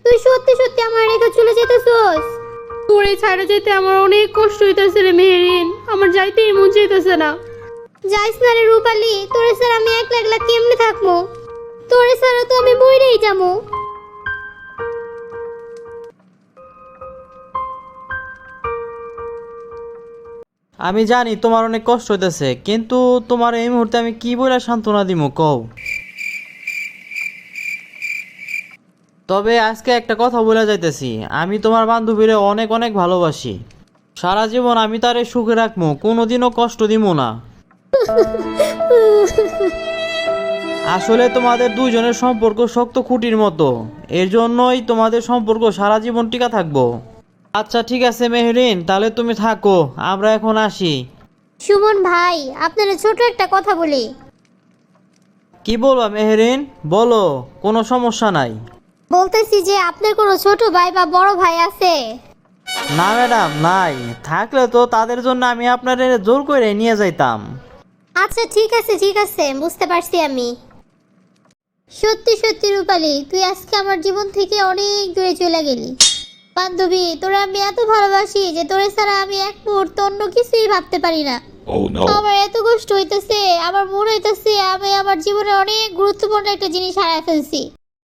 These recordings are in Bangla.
তুই সত্যি সত্যি আমার রেখে চলে যেতেছস? তোরে ছাড়া যেতে আমার অনেক কষ্ট হইতেছে রে মেহেরিন, আমার যাইতেই মন চাইতেছে না। যাইস না রে রূপালী, তোরে স্যার আমি একলা একলা কেমনে থাকবো? তোরে ছাড়া তো আমি মইরেই যাবো। আমি জানি তোমার অনেক কষ্ট হইতেছে, কিন্তু তোমার এই মুহূর্তে আমি কি বলে সান্ত্বনা দিব কও। তবে আজকে একটা কথা বলে যাইতেছি, আমি তোমার বান্ধবীরে অনেক অনেক ভালোবাসি। সারা জীবন আমি তারে সুখে রাখবো, কোনোদিনও কষ্ট দিব না। আসলে তোমাদের দুইজনের সম্পর্ক শক্ত খুঁটির মতো, এর জন্যই তোমাদের সম্পর্ক সারা জীবন টিকা থাকবো। আচ্ছা ঠিক আছে মেহরিন, তাহলে তুমি থাকো, আমরা এখন আসি। সুমন ভাই, আপনার ছোট একটা কথা বলি। কি বলবা মেহরিন, বলো, কোনো সমস্যা নাই। বলতেছি যে আপনার কোনো ছোট ভাই বা বড় ভাই আছে? না ম্যাডাম, নাই। থাকলে তো তাদের জন্য আমি আপনার জোর করে নিয়ে যাইতাম। আচ্ছা ঠিক আছে, বুঝতে পারছি আমি। সত্যি সত্যি রূপালী, তুই আজকে আমার জীবন থেকে অনেক দূরে চলে গেলি। বান্ধবী, তোরা আমি এত ভালোবাসি যে তোরে ছাড়া আমি এক মুহূর্ত অন্য কিছুই ভাবতে পারি না। আমার এত কষ্ট হইতেছে, আমার মনে হইতেছে আমি আমার জীবনে অনেক গুরুত্বপূর্ণ একটা জিনিস হারায় ফেলছি।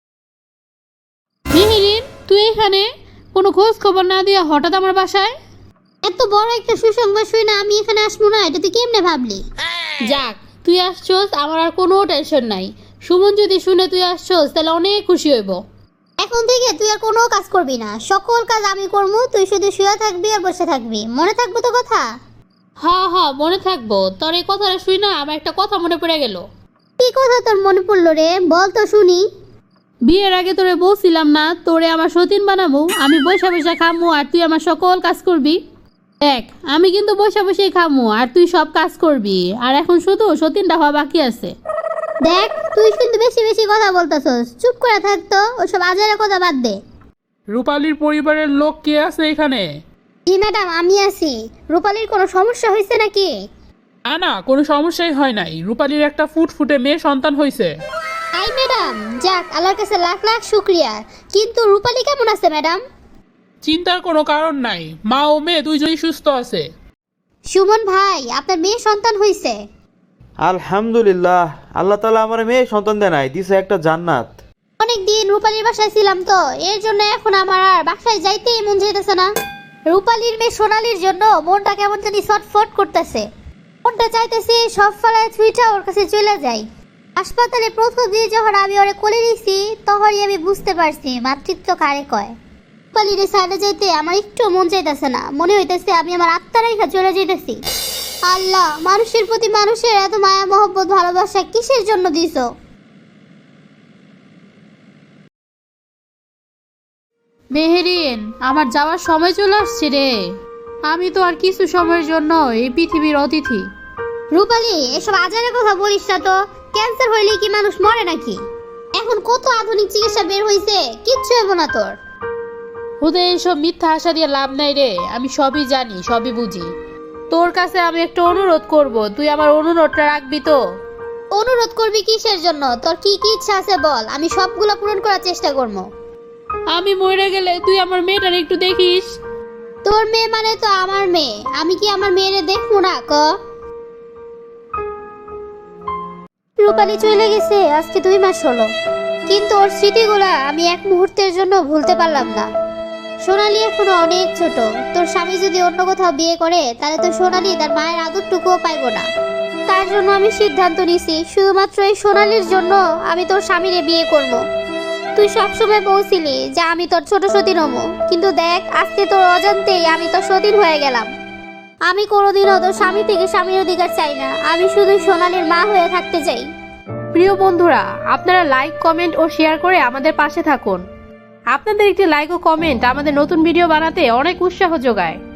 মেহেরিন, তুই এখানে কোনো খোঁজ খবর না দিয়া হঠাৎ আমার বাসায়? এত বড় একটা সুসংবাদ শুই না আমি এখানে আসবো না, এটা তুই কেমনে ভাবলি? যাক, তুই আসছস, আমার আর কোনো টেনশন নাই। সুমন যদি শুনে তুই আসছস তাহলে অনেক খুশি হইব। এখন থেকে তুই আর কোনো কাজ করবি না, সকল কাজ আমি করবো, তুই শুধু শুয়ে থাকবি আর বসে থাকবি। মনে থাকবো তো কথা? হ্যাঁ মনে থাকবো। তোর এই কথাটা শুই না আমার একটা কথা মনে পড়ে গেল। কি কথা তোর মনে পড়লো রে, বল তো শুনি। বিয়ের আগে তোরে বলছিলাম না তোরে আমার সতীন বানাবো, আমি বৈশা বৈশা খামু আর তুই আমার সকল কাজ করবি। দেখ, আমি কিন্তু বৈশা বসেই খামু আর তুই সব কাজ করবি, আর এখন শুধু সতীনটা হওয়া বাকি আছে। দেখ, তুই কিন্তু বেশি বেশি কথা বলতেছস, চুপ করে থাকতো, ওসব আজারে কথা বাদ দে। রূপালীর পরিবারের লোক কে আছে এখানে? জি ম্যাডাম, আমি আছি। রূপালীর কোনো সমস্যা হয়েছে নাকি? না, কোনো সমস্যাই হয় নাই। রূপালীর একটা ফুটফুটে মেয়ে সন্তান হয়েছে। আই ম্যাডাম, যাক, আল্লাহর কাছে লাখ লাখ শুক্রিয়া। কিন্তু রূপালী কেমন আছে ম্যাডাম? চিন্তার কোনো কারণ নাই, মা ও মেয়ে দুইজনই সুস্থ আছে। সুমন ভাই, আপনার মেয়ে সন্তান হয়েছে? আলহামদুলিল্লাহ, আল্লাহ তাআলা আমার মেয়ে সন্তান দেয় নাই, দিছে একটা জান্নাত। অনেক দিন রূপালীর বাসায় ছিলাম তো, এর জন্য এখন আমার আর বাসায় যাইতেই মন চাইতেছে না। রূপালীর মেয়ে সোনালীর জন্য মনটা কেমন জানি ছটফট করতেছে। মনটা চাইতেছে সব ফেলায় ছুঁইটা ওর কাছে চলে যাই। হাসপাতালে প্রথম দিয়ে যখন আমি ওরে কোলে নিছি, তখনই আমি বুঝতে পারছি মাতৃত্ব কারে কয়। রূপালীর সাইডে যাইতে আমার একটু মন চাইতেছে না, মনে হইতেছে আমি আমার আত্মা রেখা চলে যাইতেছি। আল্লাহ, মানুষের প্রতি মানুষের এত মায়া মহব্বত ভালোবাসা কিসের জন্য দিছো? মেহেরিন, আমার যাওয়ার সময় চলে আসছে রে। আমি তো আর কিছু সময়ের জন্য এই পৃথিবীর অতিথি। রূপালী, এসব আজারের কথা বলিস না তো। ক্যান্সার হইলে কি মানুষ মরে নাকি? এখন কত আধুনিক চিকিৎসা বের হইছে, কিচ্ছু হবে না তোর। ওদের এইসব মিথ্যা আশা দিয়ে লাভ নাই রে, আমি সবই জানি, সবই বুঝি। তোর কাছে আমি একটা অনুরোধ করব, তুই আমার অনুরোধটা রাখবি তো? অনুরোধ করবি কিসের জন্য? তোর কি কি ইচ্ছা আছে বল, আমি সবগুলো পূরণ করার চেষ্টা করবো। আমি মরে গেলে তুই আমার মেয়েটার একটু দেখিস। তোর মেয়ে মানে তো আমার মেয়ে, আমি কি আমার মেয়েরে দেখবো না ক? রূপালী চলে গেছে আজকে 2 মাস হলো, কিন্তু ওর স্মৃতিগুলা আমি এক মুহূর্তের জন্য ভুলতে পারলাম না। সোনালী এখনো অনেক ছোট, তোর স্বামী যদি অন্য কোথাও বিয়ে করে তাহলে তো সোনালী তার মায়ের আদরটুকুও পাইবো না। তার জন্য আমি সিদ্ধান্ত নিছি শুধুমাত্র এই সোনালীর জন্য আমি তোর স্বামীরে বিয়ে করব। তুই সবসময় বলছিলি যে আমি তোর ছোট সতীন হবো, কিন্তু দেখ, আজকে তোর অজান্তেই আমি তোর সতীন হয়ে গেলাম। আমি কোনোদিনও তোর স্বামী থেকে স্বামীর অধিকার চাই না, আমি শুধু সোনালীর মা হয়ে থাকতে চাই। প্রিয় বন্ধুরা, আপনারা লাইক, কমেন্ট ও শেয়ার করে আমাদের পাশে থাকুন। আপনাদের একটি লাইক ও কমেন্ট আমাদের নতুন ভিডিও বানাতে অনেক উৎসাহ যোগায়।